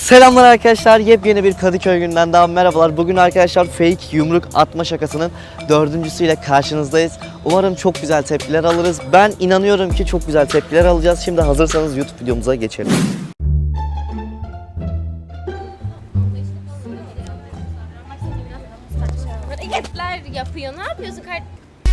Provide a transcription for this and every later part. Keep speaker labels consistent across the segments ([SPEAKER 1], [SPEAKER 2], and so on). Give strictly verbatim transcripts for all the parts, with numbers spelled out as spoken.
[SPEAKER 1] Selamlar arkadaşlar, yepyeni bir Kadıköy günden daha merhabalar. Bugün arkadaşlar fake yumruk atma şakasının dördüncüsüyle karşınızdayız. Umarım çok güzel tepkiler alırız. Ben inanıyorum ki çok güzel tepkiler alacağız. Şimdi hazırsanız YouTube videomuza geçelim.
[SPEAKER 2] Hareketler yapıyor. Ne yapıyorsun kardeşim?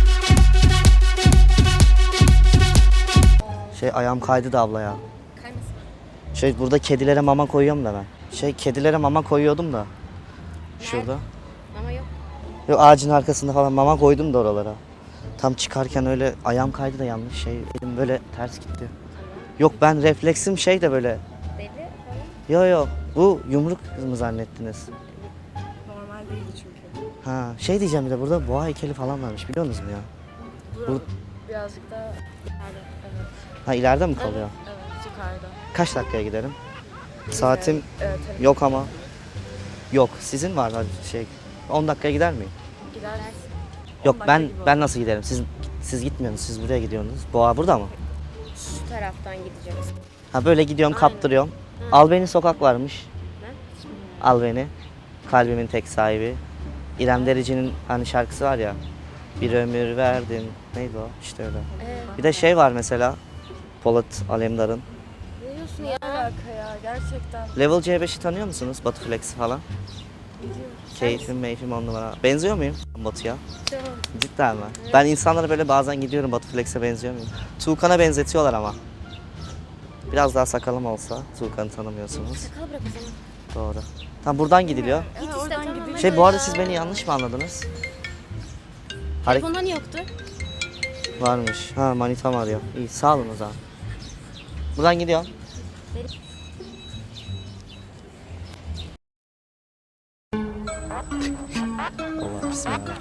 [SPEAKER 1] Şey ayağım kaydı da abla ya.
[SPEAKER 2] Kaymasın.
[SPEAKER 1] Şey burada kedilere mama koyuyorum da ben. Şey kedilere mama koyuyordum da. Şurada.
[SPEAKER 2] Ama yok.
[SPEAKER 1] Yok ağacın arkasında falan mama koydum da oralara. Tam çıkarken öyle ayağım kaydı da yanlış şey elim böyle ters gitti. Yok ben refleksim şey de böyle.
[SPEAKER 2] Deli falan.
[SPEAKER 1] Yo yo bu yumruk mı zannettiniz?
[SPEAKER 3] Normal değil çünkü.
[SPEAKER 1] Ha şey diyeceğim bir de burada boğa heykeli falan varmış biliyor musunuz ya?
[SPEAKER 3] Burası birazcık da ileride. Evet.
[SPEAKER 1] Ha ileride mi kalıyor?
[SPEAKER 3] Evet, yukarıda.
[SPEAKER 1] Kaç dakikaya giderim? Saatim
[SPEAKER 3] Evet, evet.
[SPEAKER 1] yok ama. Yok sizin var hadi şey on dakikaya gider miyim?
[SPEAKER 3] Gidersin.
[SPEAKER 1] Yok
[SPEAKER 3] on dakika
[SPEAKER 1] ben
[SPEAKER 3] gibi
[SPEAKER 1] ben nasıl giderim? Siz siz gitmiyorsunuz. Siz buraya gidiyorsunuz. Boğa burada mı?
[SPEAKER 2] Şu taraftan gideceğiz.
[SPEAKER 1] Ha böyle gidiyorum
[SPEAKER 2] Aynen.
[SPEAKER 1] kaptırıyorum. Al beni sokak varmış.
[SPEAKER 2] Ne?
[SPEAKER 1] Al beni. Kalbimin tek sahibi. İrem Derici'nin hani şarkısı var ya. Bir ömür verdim. Neydi o? İşte öyle.
[SPEAKER 2] Ee,
[SPEAKER 1] Bir de şey var mesela. Polat Alemdar'ın.
[SPEAKER 2] ne diyorsun
[SPEAKER 3] Ne
[SPEAKER 2] ya?
[SPEAKER 3] alaka ya gerçekten.
[SPEAKER 1] Level C beşi tanıyor musunuz? Batu Flex falan.
[SPEAKER 3] Biliyorum.
[SPEAKER 1] Keyfim meyfim on numara. Benziyor muyum Batu'ya?
[SPEAKER 2] Tamam.
[SPEAKER 1] Cidden mi? Ben insanlara böyle bazen gidiyorum Batu Flex'e benziyor muyum? Tuğkan'a benzetiyorlar ama. Biraz daha sakalım olsa Tuğkan'ı tanımıyorsunuz.
[SPEAKER 2] Sakal bırak o zaman.
[SPEAKER 1] Doğru. Tam buradan gidiliyor.
[SPEAKER 2] Git
[SPEAKER 3] Evet,
[SPEAKER 2] işte,
[SPEAKER 3] oradan
[SPEAKER 2] tamam.
[SPEAKER 3] gidiyor.
[SPEAKER 1] Şey bu arada siz beni yanlış mı anladınız? Hareket
[SPEAKER 2] Telefonda niye yoktu?
[SPEAKER 1] varmış. Ha manitam arıyor. İyi sağ olun o zaman. Buradan gidiyorum. Allah bismillah.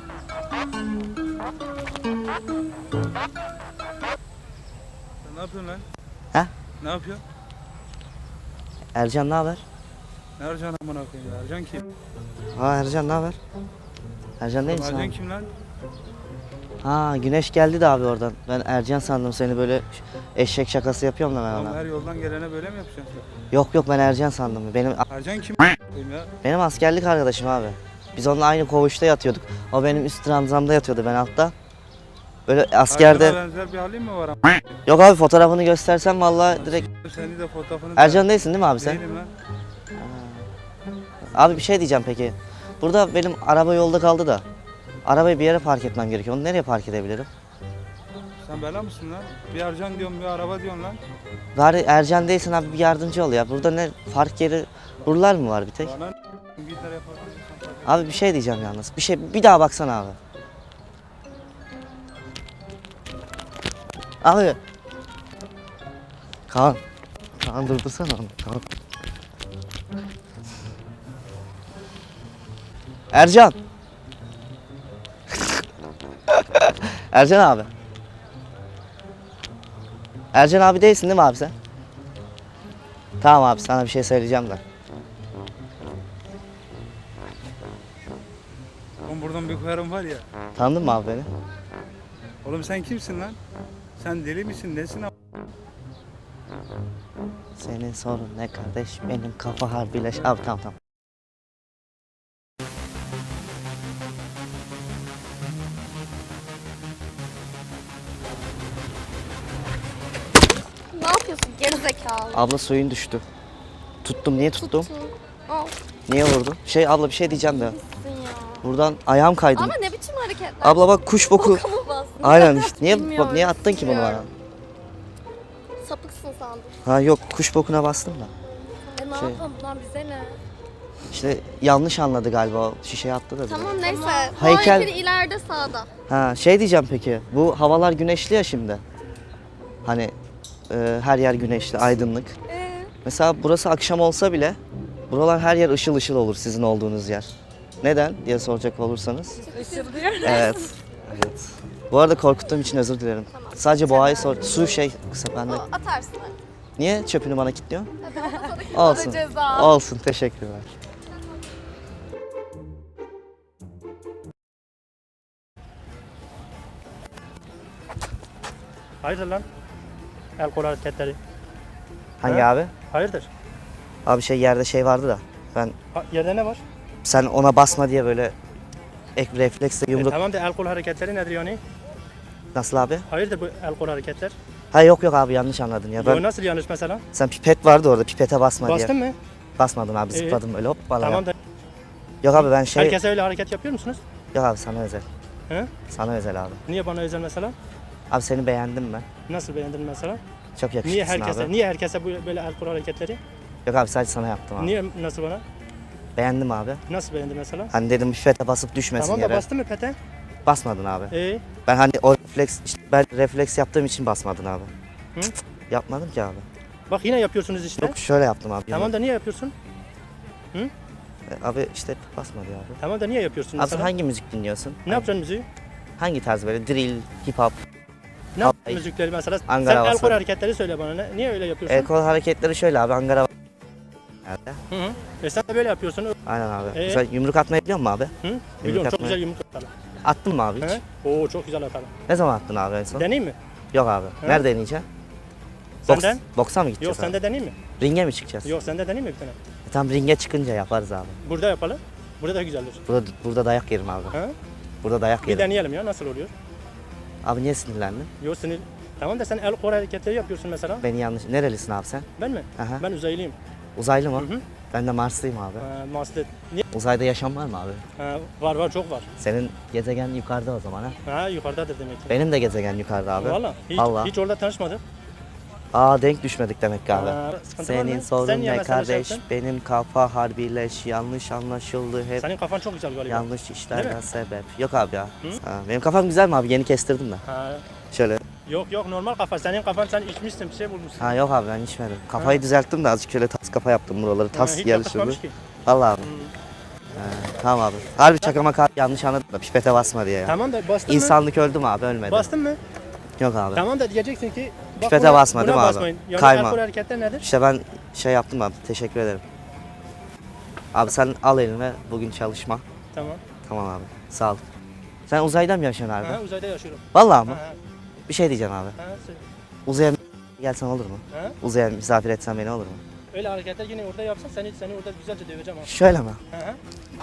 [SPEAKER 4] Ne yapıyorsun lan?
[SPEAKER 1] He?
[SPEAKER 4] Ne yapıyor?
[SPEAKER 1] Ercan ne haber?
[SPEAKER 4] Ne Ercan amına koyayım ya? Ercan kim?
[SPEAKER 1] Ha Ercan ne haber? Ercan değil misin
[SPEAKER 4] Ercan
[SPEAKER 1] abi?
[SPEAKER 4] kim lan?
[SPEAKER 1] Ha Güneş geldi de abi oradan. Ben Ercan sandım seni böyle eşek şakası yapıyorum da ben
[SPEAKER 4] Oğlum
[SPEAKER 1] ona.
[SPEAKER 4] her yoldan gelene böyle mi yapacaksın
[SPEAKER 1] Yok yok ben Ercan sandım. Benim
[SPEAKER 4] sen? Ercan kim koyayım ya?
[SPEAKER 1] benim askerlik arkadaşım abi. Biz onunla aynı koğuşta yatıyorduk. O benim üst ranzamda yatıyordu ben altta. Böyle askerde.
[SPEAKER 4] Ercan'a benzer bir halin mi var ama?
[SPEAKER 1] Yok abi fotoğrafını göstersem vallahi direkt.
[SPEAKER 4] Seni de fotoğrafını da...
[SPEAKER 1] Ercan değilsin değil mi abi sen?
[SPEAKER 4] Değilim lan.
[SPEAKER 1] Abi bir şey diyeceğim peki. Burada benim araba yolda kaldı da. Arabayı bir yere park etmem gerekiyor. Onu nereye park edebilirim?
[SPEAKER 4] Sen bela mısın lan? Bir Ercan diyorum bir araba diyorsun lan.
[SPEAKER 1] Bari Ercan değilsin abi bir yardımcı ol ya. Burada ne park yeri buralar mı var bir tek?
[SPEAKER 4] Bana bir tane yaparsan.
[SPEAKER 1] Abi bir şey diyeceğim yalnız. Bir şey bir daha baksana abi. Abi. Kaan. Kaan durdursana onu. Kaan. Ercan. Ercan abi. Ercan abi değilsin değil mi abi sen? Tamam abi sana bir şey söyleyeceğim de.
[SPEAKER 4] Oğlum buradan bir koyarım var ya.
[SPEAKER 1] Tanıdın mı abi beni?
[SPEAKER 4] Oğlum sen kimsin lan? Sen deli misin? Nesin am-
[SPEAKER 1] Senin sorun ne kardeş? Benim kafa harbiyle... Abi tamam tamam.
[SPEAKER 2] Ne yapıyorsun gerizekalı?
[SPEAKER 1] Abla suyun düştü. Tuttum. Niye tuttum?
[SPEAKER 2] Tuttum. Al.
[SPEAKER 1] Niye vurdun? Şey abla bir şey diyeceğim de.
[SPEAKER 2] Gitsin ya.
[SPEAKER 1] Buradan ayağım kaydı.
[SPEAKER 2] Ama ne biçim hareketler?
[SPEAKER 1] Abla bak kuş boku.
[SPEAKER 2] Boka mı bastın?
[SPEAKER 1] Aynen işte. Niye bak
[SPEAKER 2] Bilmiyorum,
[SPEAKER 1] niye attın ki bunu bana?
[SPEAKER 2] bilmiyorum. Sapıksın sandım.
[SPEAKER 1] Ha yok kuş bokuna bastım da.
[SPEAKER 2] E ne
[SPEAKER 1] Şey-
[SPEAKER 2] yapalım bundan bize ne?
[SPEAKER 1] İşte yanlış anladı galiba o şişeye attı da. bize.
[SPEAKER 2] Tamam neyse.
[SPEAKER 1] Heykel-
[SPEAKER 2] Heykel. ileride sağda.
[SPEAKER 1] Ha şey diyeceğim peki. Bu havalar güneşli ya şimdi. Hani e, her yer güneşli, aydınlık.
[SPEAKER 2] Ee,
[SPEAKER 1] Mesela burası akşam olsa bile buralar her yer ışıl ışıl olur sizin olduğunuz yer. Neden diye soracak olursanız.
[SPEAKER 3] Isırılıyor.
[SPEAKER 1] Evet. Evet. Bu arada korkuttuğum için özür dilerim.
[SPEAKER 2] Tamam.
[SPEAKER 1] Sadece boğayı sor. Su şey kısa
[SPEAKER 2] o
[SPEAKER 1] bende.
[SPEAKER 2] atarsın hadi.
[SPEAKER 1] Niye çöpünü bana kilitliyorsun?
[SPEAKER 2] Bana
[SPEAKER 1] Olsun.
[SPEAKER 2] ceza.
[SPEAKER 1] Olsun. Teşekkürler.
[SPEAKER 5] Hayırdır lan? El kol hareketleri.
[SPEAKER 1] Hangi
[SPEAKER 5] He?
[SPEAKER 1] abi?
[SPEAKER 5] Hayırdır?
[SPEAKER 1] Abi şey yerde şey vardı da ben
[SPEAKER 5] Ha, yerde ne var?
[SPEAKER 1] sen ona basma diye böyle ek refleksle
[SPEAKER 5] E,
[SPEAKER 1] yumruk
[SPEAKER 5] tamam da el kol hareketleri nedir yani?
[SPEAKER 1] nasıl abi?
[SPEAKER 5] Hayırdır bu el kol hareketler?
[SPEAKER 1] Ha yok yok abi yanlış anladın ya.
[SPEAKER 5] Yo,
[SPEAKER 1] Ben
[SPEAKER 5] nasıl yanlış mesela?
[SPEAKER 1] sen pipet vardı orada pipete basma
[SPEAKER 5] Bastın
[SPEAKER 1] diye.
[SPEAKER 5] mı?
[SPEAKER 1] Basmadım abi
[SPEAKER 5] Ee,
[SPEAKER 1] zıpladım öyle hop bana.
[SPEAKER 5] Tamam da
[SPEAKER 1] Yok abi ben şey
[SPEAKER 5] herkese öyle hareket yapıyor musunuz?
[SPEAKER 1] yok abi sana özel.
[SPEAKER 5] He?
[SPEAKER 1] Sana özel abi.
[SPEAKER 5] Niye bana özel mesela?
[SPEAKER 1] Abi seni beğendim ben.
[SPEAKER 5] Nasıl beğendin mesela?
[SPEAKER 1] Çok yakışıklısın
[SPEAKER 5] Niye herkese
[SPEAKER 1] abi.
[SPEAKER 5] niye herkese bu- böyle el kol hareketleri?
[SPEAKER 1] Yok abi sadece sana yaptım abi.
[SPEAKER 5] Niye nasıl bana?
[SPEAKER 1] Beğendim abi.
[SPEAKER 5] Nasıl beğendin mesela?
[SPEAKER 1] Hani dedim pipete basıp düşmesin
[SPEAKER 5] Tamam da
[SPEAKER 1] yere.
[SPEAKER 5] bastın mı pete?
[SPEAKER 1] Basmadın abi.
[SPEAKER 5] Ee,
[SPEAKER 1] Ben hani o refleks işte ben refleks yaptığım için basmadın abi.
[SPEAKER 5] Hı?
[SPEAKER 1] Cık, Yapmadım ki abi.
[SPEAKER 5] bak yine yapıyorsunuz işte.
[SPEAKER 1] Yok şöyle yaptım abi.
[SPEAKER 5] Tamam da niye yapıyorsun?
[SPEAKER 1] E, Abi işte basmadı abi.
[SPEAKER 5] Tamam da niye yapıyorsun
[SPEAKER 1] Abi sen
[SPEAKER 5] mesela?
[SPEAKER 1] hangi müzik dinliyorsun?
[SPEAKER 5] Ne yapacaksın müziği?
[SPEAKER 1] Hangi tarz böyle drill, hip hop?
[SPEAKER 5] Ne
[SPEAKER 1] Ay.
[SPEAKER 5] yapacaksın müzikleri mesela?
[SPEAKER 1] Angara
[SPEAKER 5] Sen el
[SPEAKER 1] havası.
[SPEAKER 5] kol hareketleri söyle bana. Ne, niye öyle yapıyorsun?
[SPEAKER 1] El kol hareketleri şöyle abi Angara var. Nerede?
[SPEAKER 5] Hı hı. E sen de böyle yapıyorsun.
[SPEAKER 1] Aynen abi.
[SPEAKER 5] Ee?
[SPEAKER 1] Sen yumruk atmayı biliyor musun abi?
[SPEAKER 5] Hı? Biliyorum çok
[SPEAKER 1] atmayı-
[SPEAKER 5] güzel yumruk atarım.
[SPEAKER 1] Attın mı abi hiç?
[SPEAKER 5] He? Oo çok güzel atarım.
[SPEAKER 1] Ne zaman attın abi en son?
[SPEAKER 5] Deneyim mi?
[SPEAKER 1] Yok abi.
[SPEAKER 5] He?
[SPEAKER 1] Nerede deneyeceksin? Boks,
[SPEAKER 5] Senden?
[SPEAKER 1] boksa mı
[SPEAKER 5] Yok
[SPEAKER 1] gideceğiz abi?
[SPEAKER 5] sende deneyim mi?
[SPEAKER 1] Ringe mi çıkacağız?
[SPEAKER 5] Yok sende deneyim mi bir tane?
[SPEAKER 1] E, tam ringe çıkınca yaparız abi.
[SPEAKER 5] Burada yapalım. Burada da güzeldir.
[SPEAKER 1] Burada, burada dayak yerim abi.
[SPEAKER 5] Ha?
[SPEAKER 1] Burada dayak
[SPEAKER 5] Bir
[SPEAKER 1] yerim.
[SPEAKER 5] deneyelim ya nasıl oluyor?
[SPEAKER 1] Abi niye sinirlendin?
[SPEAKER 5] Yok sinir. Tamam da sen el kol hareketleri yapıyorsun mesela.
[SPEAKER 1] Beni yanlış... Nerelisin abi sen?
[SPEAKER 5] Ben mi?
[SPEAKER 1] Aha.
[SPEAKER 5] Ben uzaylıyım.
[SPEAKER 1] Uzaylı mı?
[SPEAKER 5] Hı hı.
[SPEAKER 1] Ben de Marslıyım abi.
[SPEAKER 5] Ha, Mars'ta. Niye?
[SPEAKER 1] Uzayda yaşam var mı abi?
[SPEAKER 5] Ha, var var çok var.
[SPEAKER 1] Senin gezegen yukarıda o zaman ha?
[SPEAKER 5] Ha yukarıdadır demek ki.
[SPEAKER 1] Benim de gezegen yukarıda abi.
[SPEAKER 5] Valla. Hiç,
[SPEAKER 1] Vallahi.
[SPEAKER 5] hiç orada tanışmadık.
[SPEAKER 1] Aa denk düşmedik demek ki abi.
[SPEAKER 5] Ha, sıkıntı var
[SPEAKER 1] Senin
[SPEAKER 5] mı?
[SPEAKER 1] sorun
[SPEAKER 5] Sen niye
[SPEAKER 1] ne
[SPEAKER 5] mesela şey
[SPEAKER 1] kardeş?
[SPEAKER 5] yaptın?
[SPEAKER 1] Benim kafa harbileş. Yanlış anlaşıldı hep.
[SPEAKER 5] Senin kafan çok güzel galiba.
[SPEAKER 1] Yanlış
[SPEAKER 5] Değil
[SPEAKER 1] işlerden
[SPEAKER 5] mi?
[SPEAKER 1] sebep. Yok abi ya.
[SPEAKER 5] Hı?
[SPEAKER 1] Ha, benim kafam güzel mi abi? Yeni kestirdim de.
[SPEAKER 5] Ha,
[SPEAKER 1] Şöyle.
[SPEAKER 5] yok yok normal kafa. Senin kafan sen içmişsin bir şey bulmuşsun.
[SPEAKER 1] Ha yok abi ben içmedim. Kafayı düzelttim de azıcık şöyle tas kafa yaptım buraları.
[SPEAKER 5] Ha,
[SPEAKER 1] Tas
[SPEAKER 5] hiç
[SPEAKER 1] yarışırdı.
[SPEAKER 5] yakışmamış ki.
[SPEAKER 1] Vallahi abi.
[SPEAKER 5] Hı.
[SPEAKER 1] Ha, tamam abi. Harbi çakama kar yanlış anladım da pipete basma diye ya.
[SPEAKER 5] Tamam da bastın mı?
[SPEAKER 1] İnsanlık öldü mü abi ölmedi.
[SPEAKER 5] Bastın mı?
[SPEAKER 1] Yok abi.
[SPEAKER 5] Tamam da diyeceksin ki bak
[SPEAKER 1] Pipete
[SPEAKER 5] buna-
[SPEAKER 1] basma
[SPEAKER 5] buna
[SPEAKER 1] değil mi abi?
[SPEAKER 5] basmayın. Yani
[SPEAKER 1] Kayma.
[SPEAKER 5] alkol hareketler nedir?
[SPEAKER 1] İşte ben şey yaptım abi. Teşekkür ederim. Abi sen al eline bugün çalışma.
[SPEAKER 5] Tamam.
[SPEAKER 1] Tamam abi. Sağ ol. Sen uzayda mı yaşıyorsun abi?
[SPEAKER 5] Ha, uzayda yaşıyorum.
[SPEAKER 1] Vallahi mı?
[SPEAKER 5] Ha, ha,
[SPEAKER 1] Bir şey diyeceğim abi.
[SPEAKER 5] ha, söyle.
[SPEAKER 1] Uzaya gelsen olur mu?
[SPEAKER 5] Ha?
[SPEAKER 1] Uzaya misafir etsen beni olur mu?
[SPEAKER 5] Öyle hareketler yine orada yapsan seni seni orada güzelce döveceğim ha.
[SPEAKER 1] Şöyle mi?
[SPEAKER 5] Ha, ha.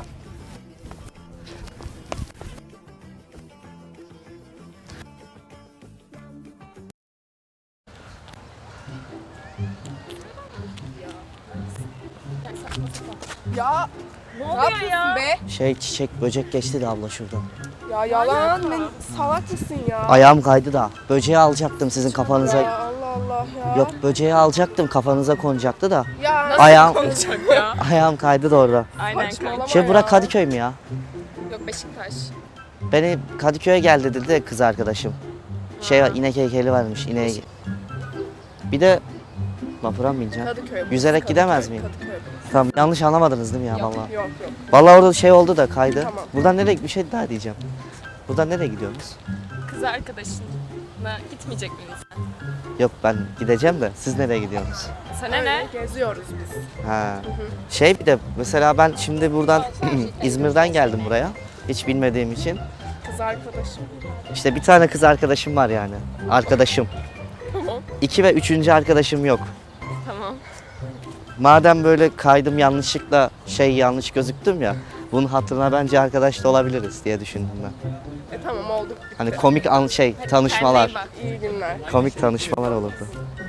[SPEAKER 6] Ya ne yapıyorsun be?
[SPEAKER 1] Şey çiçek böcek geçti de abla şurada.
[SPEAKER 6] Ya yalan ne salak mısın ya?
[SPEAKER 1] Ayağım kaydı da. Böceği alacaktım sizin kafanıza.
[SPEAKER 6] Ya Allah Allah ya.
[SPEAKER 1] Yok böceği alacaktım kafanıza konacaktı da.
[SPEAKER 6] Ya
[SPEAKER 1] Ayağım
[SPEAKER 3] Konuşacak ya.
[SPEAKER 1] ayağım kaydı da orada.
[SPEAKER 3] Aynen
[SPEAKER 6] saçmalama
[SPEAKER 3] kanka.
[SPEAKER 1] Şey
[SPEAKER 6] ya.
[SPEAKER 1] bura Kadıköy mü ya?
[SPEAKER 3] Yok Beşiktaş.
[SPEAKER 1] Beni Kadıköy'e gel dedi de kız arkadaşım. Şey var, inek heykeli varmış ineğe. Bir de vapura mı bineceğim?
[SPEAKER 6] Kadıköy. burası,
[SPEAKER 1] Yüzerek
[SPEAKER 6] Kadıköy,
[SPEAKER 1] gidemez miyim?
[SPEAKER 6] Kadıköy burası.
[SPEAKER 1] Tamam yanlış anlamadınız değil mi ya
[SPEAKER 6] Yok
[SPEAKER 1] vallahi?
[SPEAKER 6] yok.
[SPEAKER 1] Vallahi orada şey oldu da kaydı.
[SPEAKER 6] Tamam.
[SPEAKER 1] Buradan nereye bir şey daha diyeceğim. Buradan nereye gidiyorsunuz?
[SPEAKER 3] Kız arkadaşınla gitmeyecek miyiz sen?
[SPEAKER 1] Yok ben gideceğim de siz nereye gidiyorsunuz?
[SPEAKER 3] Sana
[SPEAKER 6] Öyle
[SPEAKER 3] ne?
[SPEAKER 6] geziyoruz biz.
[SPEAKER 1] Ha. Şey bir de mesela ben şimdi buradan İzmir'den geldim buraya. Hiç bilmediğim için.
[SPEAKER 6] Kız arkadaşım.
[SPEAKER 1] İşte bir tane kız arkadaşım var yani. Arkadaşım.
[SPEAKER 3] Tamam.
[SPEAKER 1] İki ve üçüncü arkadaşım yok.
[SPEAKER 3] Tamam.
[SPEAKER 1] Madem böyle kaydım yanlışlıkla şey yanlış gözüktüm ya. Bunun hatırına bence arkadaş da olabiliriz diye düşündüm ben.
[SPEAKER 6] E tamam olduk.
[SPEAKER 1] Hani komik an şey tanışmalar.
[SPEAKER 3] Kendine iyi bak.
[SPEAKER 6] İyi günler.
[SPEAKER 1] Komik tanışmalar olurdu.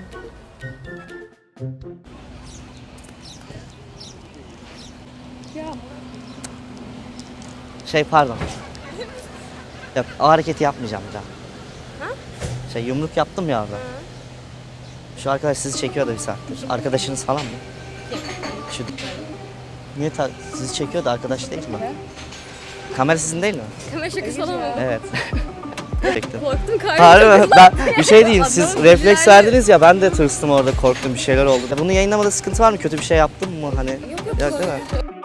[SPEAKER 1] Şey pardon. Yok o hareketi yapmayacağım bir daha. Şey yumruk yaptım ya orada. Şu arkadaş sizi çekiyor da bir saattir. Arkadaşınız falan mı? Şu niye ta- sizi çekiyor da arkadaş değil mi? Kamera sizin değil mi?
[SPEAKER 2] Kamera şakası falan mı?
[SPEAKER 1] Evet. Çektim.
[SPEAKER 2] Korktum kardeşim.
[SPEAKER 1] Harbi mi? Ben bir şey diyeyim siz
[SPEAKER 2] Adamın
[SPEAKER 1] refleks
[SPEAKER 2] güzel-
[SPEAKER 1] verdiniz ya ben de tırstım orada korktum bir şeyler oldu. Bunu yayınlamada sıkıntı var mı? Kötü bir şey yaptım mı hani?
[SPEAKER 2] Yok yok.
[SPEAKER 1] Yok değil mi?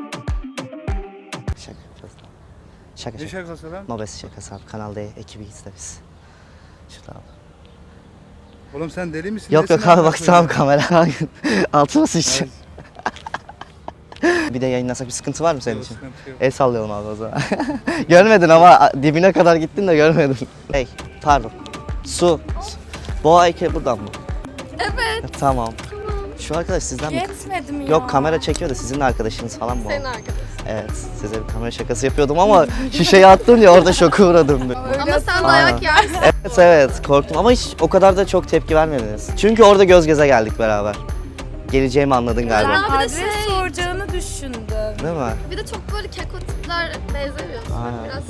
[SPEAKER 1] Şaka yapacağız. Şaka
[SPEAKER 4] Ne
[SPEAKER 1] şaka.
[SPEAKER 4] şakası lan?
[SPEAKER 1] Mobes şakası abi. Kanal D ekibiyiz de biz. Şurada abi.
[SPEAKER 4] Oğlum sen deli misin?
[SPEAKER 1] Yok
[SPEAKER 4] Nesin
[SPEAKER 1] yok abi
[SPEAKER 4] amına
[SPEAKER 1] bak
[SPEAKER 4] koyayım?
[SPEAKER 1] tamam kamera. Altıma sıçacağım.
[SPEAKER 4] Evet,
[SPEAKER 1] Bir de yayınlasak bir sıkıntı var mı senin
[SPEAKER 4] yok,
[SPEAKER 1] için?
[SPEAKER 4] sıkıntı yok.
[SPEAKER 1] El sallayalım abi o zaman. Görmedin ama dibine kadar gittin de görmedin. Hey pardon. Su. Boğa heykel buradan mı? Evet. Tamam. Şu arkadaş sizden mi?
[SPEAKER 3] Yetmedi mi ya?
[SPEAKER 1] Yok, kamera çekiyor da sizin arkadaşınız falan mı o?
[SPEAKER 2] Senin arkadaşın.
[SPEAKER 1] Evet, size bir kamera şakası yapıyordum ama şişeyi attım ya orada şoka uğradım. bir.
[SPEAKER 2] Ama sen
[SPEAKER 1] Aynen.
[SPEAKER 2] dayak yersin.
[SPEAKER 1] Evet evet, korktum ama hiç o kadar da çok tepki vermediniz. Çünkü orada göz göze geldik beraber. Geleceğimi anladın galiba.
[SPEAKER 3] Ben
[SPEAKER 2] bir de
[SPEAKER 3] adres
[SPEAKER 2] şey-
[SPEAKER 3] soracağını düşündüm.
[SPEAKER 1] Değil mi?
[SPEAKER 2] Bir de çok böyle keko tipler benzemiyorsun.
[SPEAKER 1] Aynen.
[SPEAKER 2] Biraz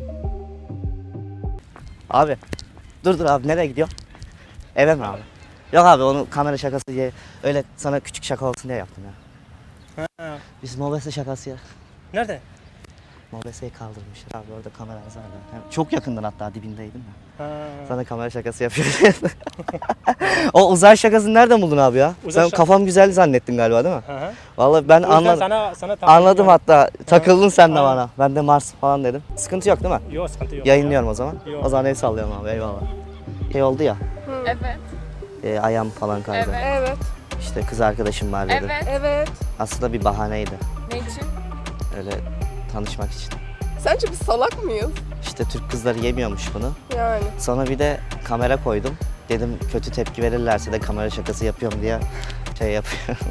[SPEAKER 1] Abi, dur dur abi, nereye gidiyor? Eve mi abi? Yok abi, onu kamera şakası diye, öyle sana küçük şaka olsun diye yaptım ya.
[SPEAKER 5] Ha.
[SPEAKER 1] Biz Mobese şakası ya.
[SPEAKER 5] Nerede?
[SPEAKER 1] Mobese'yi kaldırmışlar abi, orada kamera vardı. Yani çok yakından, hatta dibindeydim ya.
[SPEAKER 5] Ha.
[SPEAKER 1] Sana kamera şakası yapıyor. O uzay şakasını nereden buldun abi ya?
[SPEAKER 5] Uzay
[SPEAKER 1] Sen
[SPEAKER 5] şak-
[SPEAKER 1] kafam güzel zannettin galiba, değil mi?
[SPEAKER 5] Hı hı.
[SPEAKER 1] Vallahi ben
[SPEAKER 5] O yüzden
[SPEAKER 1] anladım.
[SPEAKER 5] Sana, sana takıldım
[SPEAKER 1] Anladım
[SPEAKER 5] yani.
[SPEAKER 1] hatta. Takıldın sen de
[SPEAKER 5] Aynen.
[SPEAKER 1] bana. Ben de Mars falan dedim. Sıkıntı yok değil mi?
[SPEAKER 5] Yok sıkıntı yok.
[SPEAKER 1] Yayınlıyorum o zaman.
[SPEAKER 5] Yok.
[SPEAKER 1] O zaman el sallıyorum abi, eyvallah. Şey oldu ya,
[SPEAKER 2] evet.
[SPEAKER 1] e, ayağım falan kaydı.
[SPEAKER 2] Evet.
[SPEAKER 6] Evet.
[SPEAKER 1] İşte kız arkadaşım var dedi.
[SPEAKER 2] Evet.
[SPEAKER 6] Evet.
[SPEAKER 1] Aslında bir bahaneydi.
[SPEAKER 2] Ne için?
[SPEAKER 1] Öyle tanışmak için.
[SPEAKER 6] Sence biz salak mıyız?
[SPEAKER 1] İşte Türk kızları yemiyormuş bunu.
[SPEAKER 6] Yani.
[SPEAKER 1] Sonra bir de kamera koydum. Dedim kötü tepki verirlerse de kamera şakası yapıyorum diye şey yapıyorum.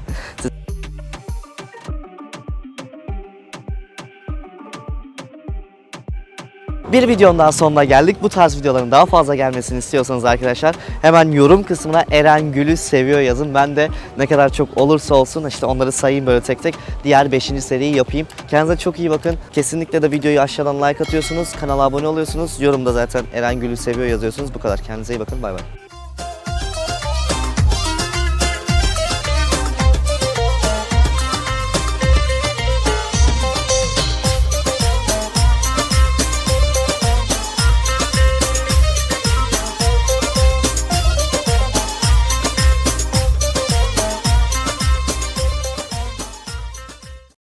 [SPEAKER 1] Bir videonun daha sonuna geldik. Bu tarz videoların daha fazla gelmesini istiyorsanız arkadaşlar hemen yorum kısmına Eren Gül'ü seviyor yazın. Ben de ne kadar çok olursa olsun işte onları sayayım böyle tek tek. Diğer beşinci seriyi yapayım. Kendinize çok iyi bakın. Kesinlikle de videoyu aşağıdan like atıyorsunuz. Kanala abone oluyorsunuz. Yorumda zaten Eren Gül'ü seviyor yazıyorsunuz. Bu kadar. Kendinize iyi bakın. Bay bay.